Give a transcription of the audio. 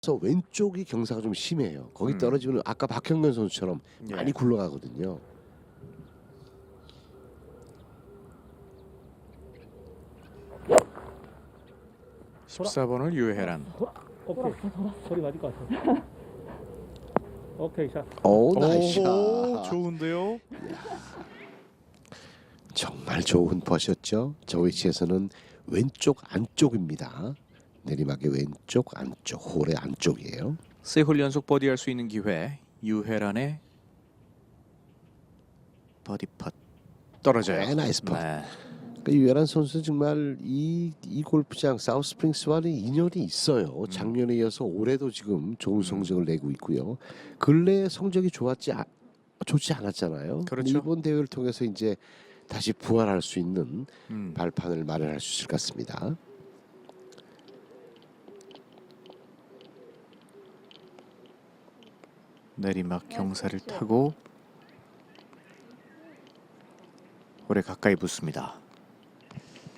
그래서 왼쪽이 경사가 좀 심해요. 거기 음. 떨어지면 아까 박형근 선수처럼 예. 많이 굴러가거든요. 돌아. 14번을 유혜란. 오케이. 소리 맞을 것 같아. 오케이 샷. 오, 나이스 오, 샷. 좋은데요. 정말 좋은 퍼셨죠. 저 위치에서는 왼쪽 안쪽입니다. 내리막의 왼쪽 안쪽, 홀의 안쪽이에요. 세 홀 연속 버디할 수 있는 기회. 유혜란의 버디 팟 떨어져요. 네, 나이스 팟. 네. 그러니까 유혜란 선수 정말 이 골프장 사우스프링스와는 인연이 있어요. 작년에 이어서 올해도 지금 좋은 성적을 내고 있고요. 근래 성적이 좋지 않았잖아요. 그렇죠. 이번 대회를 통해서 이제 다시 부활할 수 있는 음. 발판을 마련할 수 있을 것 같습니다. 내리막 경사를 타고 홀에 가까이 붙습니다.